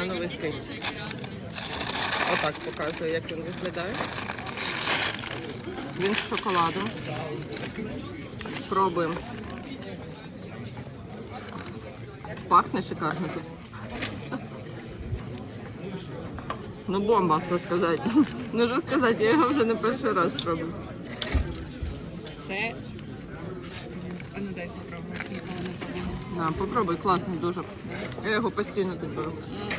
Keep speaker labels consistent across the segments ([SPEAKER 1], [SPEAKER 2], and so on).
[SPEAKER 1] банановий стейк. Отак показую, як він виглядає. Він з шоколадом. Пробуємо. Пахне шикарно тут. Ну бомба, що сказати. Ну що сказати, я його вже не перший раз пробую.
[SPEAKER 2] Це... А ну дай попробуй, ніколи не пробувала.
[SPEAKER 1] На, попробуй, класний дуже. Я його постійно тут беру.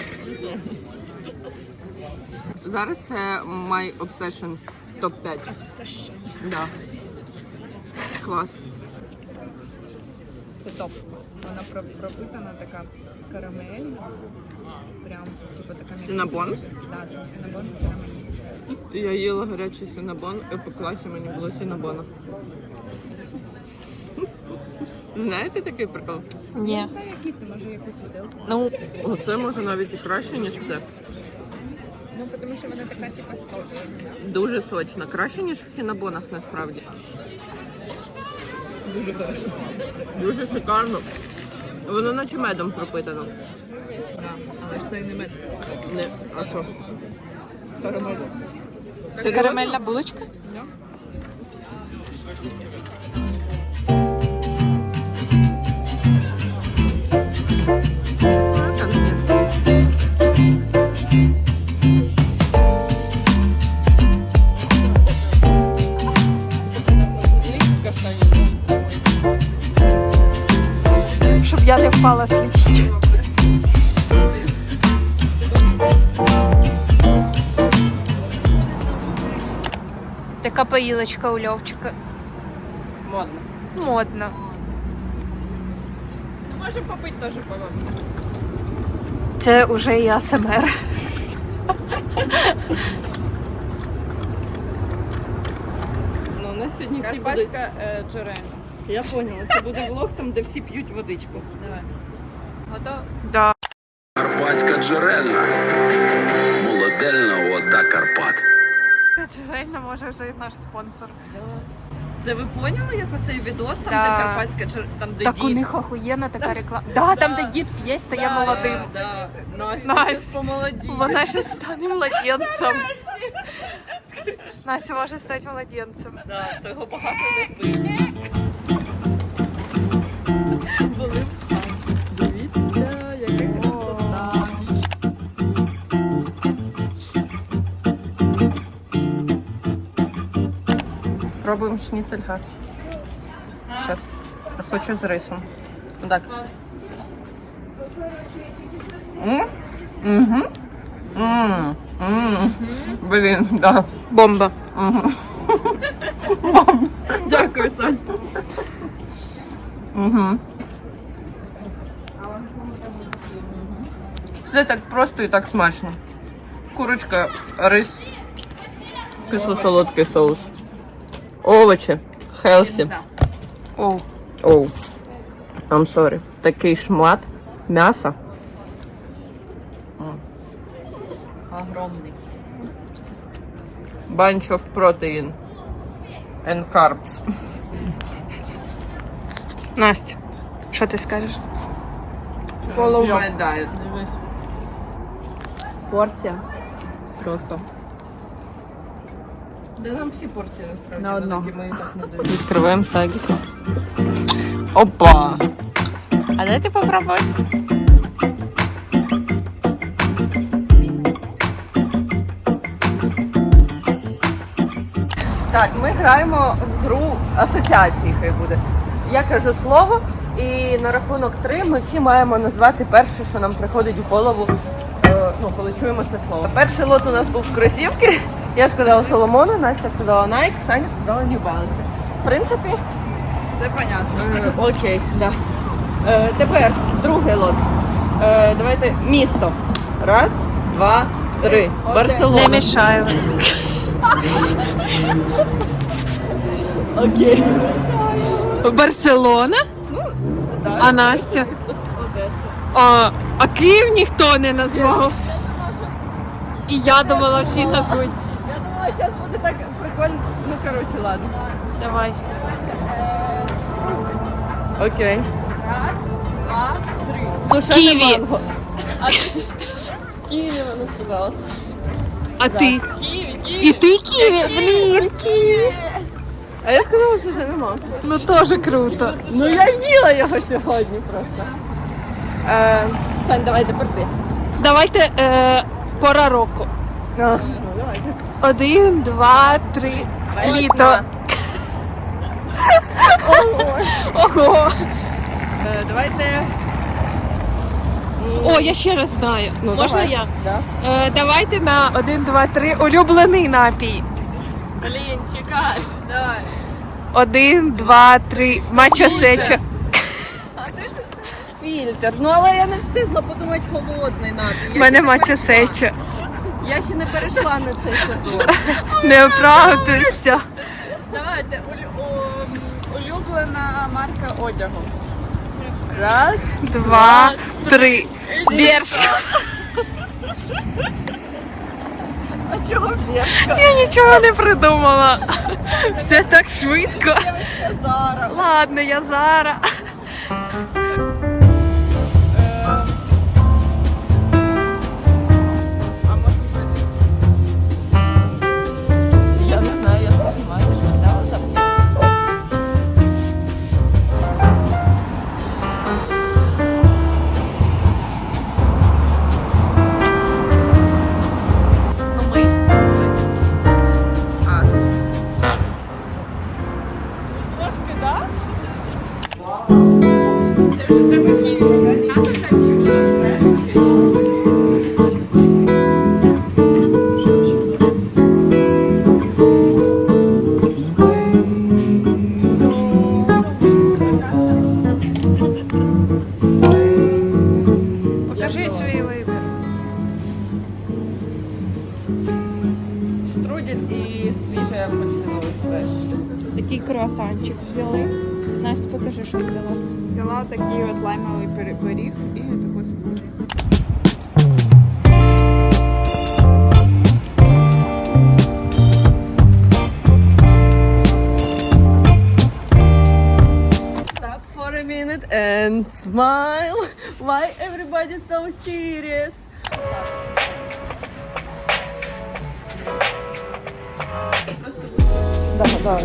[SPEAKER 1] Зараз це My Obsession топ-5.
[SPEAKER 2] Obsession.
[SPEAKER 1] Да. Клас.
[SPEAKER 2] Це топ. Вона пропитана така карамельна. Прям, типу така...
[SPEAKER 1] Синабон?
[SPEAKER 2] Так, це синабон і карамель.
[SPEAKER 1] Я їла гарячий синабон і по класі мені було синабона. Знаєте такий прикол?
[SPEAKER 2] Ні. Не знаю, якийсь, ти може якусь виделку.
[SPEAKER 1] Ну, оце може навіть і краще, ніж це.
[SPEAKER 2] Ну, тому що вона така, типу, сочна.
[SPEAKER 1] Дуже сочна. Краще, ніж в синабонах, насправді.
[SPEAKER 2] Дуже хорошо.
[SPEAKER 1] Дуже шикарно. Воно наче медом пропитано.
[SPEAKER 2] Але ж це і не мед.
[SPEAKER 1] Не, а що?
[SPEAKER 2] Карамель.
[SPEAKER 3] Це карамельна булочка?
[SPEAKER 2] Да.
[SPEAKER 3] Щоб я не впала слідчити. Така поїлочка у Льовчика.
[SPEAKER 1] Модно.
[SPEAKER 3] Модно.
[SPEAKER 2] Ну, можемо попити теж пиво.
[SPEAKER 3] Це вже і АСМР.
[SPEAKER 1] Ну, у нас сьогодні всі будуть...
[SPEAKER 2] Карпатська джерельна.
[SPEAKER 1] Я поняла, це буде влог там, де всі п'ють водичку.
[SPEAKER 2] Давай. Готово?
[SPEAKER 3] Да.
[SPEAKER 4] Карпатська джерельна. Молодельна вода Карпат.
[SPEAKER 3] Джерельна може вже і наш спонсор.
[SPEAKER 1] Це ви поняли, як оцей відос, там,
[SPEAKER 3] Да.
[SPEAKER 1] де Карпатська, там, де
[SPEAKER 3] Так
[SPEAKER 1] дід?
[SPEAKER 3] у них охуєнна така реклама. Да, там де дід п'є, стає молодим.
[SPEAKER 1] Да. Настя,
[SPEAKER 3] Настя.
[SPEAKER 1] щас помолодіє.
[SPEAKER 3] Вона ще стане младенцем. Настя може стати младенцем.
[SPEAKER 1] Да, того багато не пив. Були в хаті. Дивіться, яка красота. Пробуємо шніцельга. Зараз. Хочу з рисом. Так. Угу. Блін, да.
[SPEAKER 3] Бомба.
[SPEAKER 1] Дякую, Сонь. Угу. Все так просто і так смачно. Курочка, рис, кисло-солодкий соус, овочі, хелсі.
[SPEAKER 3] Оу.
[SPEAKER 1] Оу. I'm sorry. Такий шмат м'яса.
[SPEAKER 2] Огромний.
[SPEAKER 1] Bunch of protein and carbs.
[SPEAKER 3] Настя, що ти скажеш?
[SPEAKER 1] Follow my diet.
[SPEAKER 2] Дивись. Порція. Просто.
[SPEAKER 1] Да нам всі порції насправді.
[SPEAKER 2] На одного.
[SPEAKER 1] великі, ми і так не даємо.
[SPEAKER 3] Відкриваємо сагік.
[SPEAKER 1] Опа!
[SPEAKER 3] А дайте попробувати.
[SPEAKER 1] Так, ми граємо в гру асоціації, хай буде. Я кажу слово, і на рахунок 3 ми всі маємо назвати перше, що нам приходить в голову, коли чуємо це слово. Перший лот у нас був кросівки. Я сказала Соломону, Настя сказала Nike, Саня сказала New Balance. В принципі,
[SPEAKER 2] Все понятно.
[SPEAKER 1] окей, да. Тепер другий лот. Давайте місто. Раз, два, три. Барселона.
[SPEAKER 3] Не мішаю.
[SPEAKER 1] Окей.
[SPEAKER 3] Барселона?
[SPEAKER 1] Да.
[SPEAKER 3] А Настя?
[SPEAKER 1] Одеса.
[SPEAKER 3] А Київ ніхто не назвав. І я думала, всі назвуть.
[SPEAKER 1] Я думала, зараз буде так прикольно. Ну, коротше, ладно.
[SPEAKER 3] Давай.
[SPEAKER 1] Окей.
[SPEAKER 2] Раз, два, три.
[SPEAKER 1] Сушене
[SPEAKER 3] Ківі.
[SPEAKER 1] манго. Києві вона сказала.
[SPEAKER 3] А ти?
[SPEAKER 1] Києві,
[SPEAKER 3] І ти Києві? Блін, Києві.
[SPEAKER 1] А я сказала, що вже нема.
[SPEAKER 3] Ну теж круто.
[SPEAKER 1] Ну я їла його сьогодні просто. Сань, давай тепер ти.
[SPEAKER 3] Давайте пора року.
[SPEAKER 1] Ну, давайте.
[SPEAKER 3] 1, 2, 3. Літо. Ого.
[SPEAKER 1] Давайте.
[SPEAKER 3] О, я ще раз знаю.
[SPEAKER 1] Ну,
[SPEAKER 3] Можна
[SPEAKER 1] давай.
[SPEAKER 3] я?
[SPEAKER 1] Да.
[SPEAKER 3] Давайте на 1, 2, 3. Улюблений напій.
[SPEAKER 1] Блін, чекай. Давай.
[SPEAKER 3] 1, 2, 3. Мачо сечо.
[SPEAKER 1] Фільтр. Ну але я не встигла подумати холодний напій.
[SPEAKER 3] У мене мачо сечо.
[SPEAKER 1] Я ще не перейшла на цей сезон.
[SPEAKER 3] Не оправдуйся.
[SPEAKER 2] Давайте, улюблена марка одягу.
[SPEAKER 1] Раз.
[SPEAKER 3] 2, 3. Бершка.
[SPEAKER 1] А чого Бершка?
[SPEAKER 3] Я нічого не придумала. Все так швидко.
[SPEAKER 1] Зара.
[SPEAKER 3] Ладно, я Зара.
[SPEAKER 1] Я не знаю, я не знаю, що сталося. Ас. Трошки, так?
[SPEAKER 3] Покажи свій вибір.
[SPEAKER 1] Штрудель і свіжий апельсиновий фреш.
[SPEAKER 3] Такий круасанчик взяли. Настя, покажи, що взяла.
[SPEAKER 2] Взяла такий от лаймовий пиріг і таку смузі.
[SPEAKER 1] Stop for a minute and smile. Why everybody so serious? Да, да.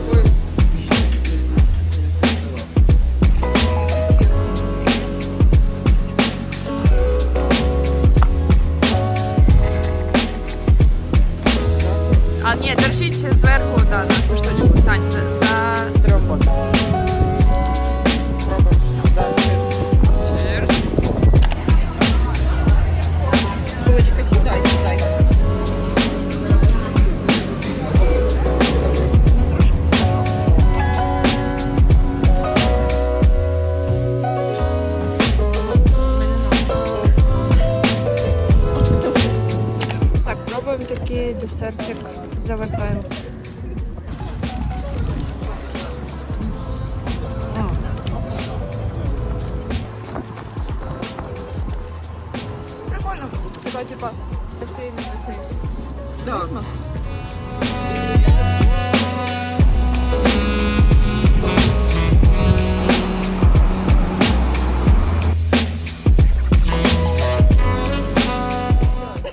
[SPEAKER 2] А ні, держіть ще зверху, да, на цю штучку, Сань, за
[SPEAKER 1] Робота.
[SPEAKER 2] Cheers.
[SPEAKER 1] Булочка, сідай, сідай.
[SPEAKER 3] Так, пробуємо такий десертик. Завертаємо.
[SPEAKER 2] Прикольно. Така, типа, кофейний оцей.
[SPEAKER 1] Да.